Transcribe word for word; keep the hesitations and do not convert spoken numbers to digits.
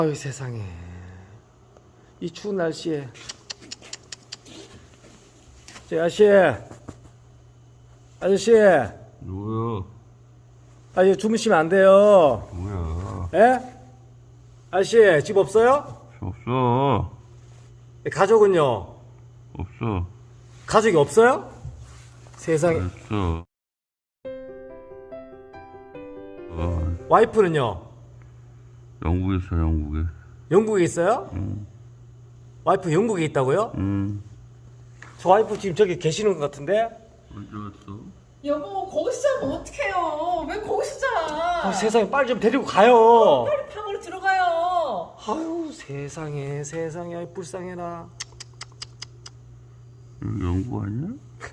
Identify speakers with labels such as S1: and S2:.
S1: 아유 세상에, 이 추운 날씨에. 저 아저씨, 아저씨,
S2: 뭐야?
S1: 아 이거 주무시면 안 돼요.
S2: 뭐야?
S1: 예? 아저씨 집 없어요?
S2: 없어.
S1: 가족은요?
S2: 없어.
S1: 가족이 없어요? 세상에.
S2: 없어. 어,
S1: 와이프는요?
S2: 영국에 있어, 영국에.
S1: 영국에 있어요?
S2: 응.
S1: 와이프 영국에 있다고요?
S2: 응.
S1: 저 와이프 지금 저기 계시는 것 같은데?
S2: 언제 왔어?
S3: 여보, 거기서 자면 어떡해요? 왜 거기서 자?
S1: 아, 세상에 빨리 좀 데리고 가요.
S3: 빨리 방으로 들어가요.
S1: 아유 세상에 세상에, 아이, 불쌍해라.
S2: 여기 영국 아니야?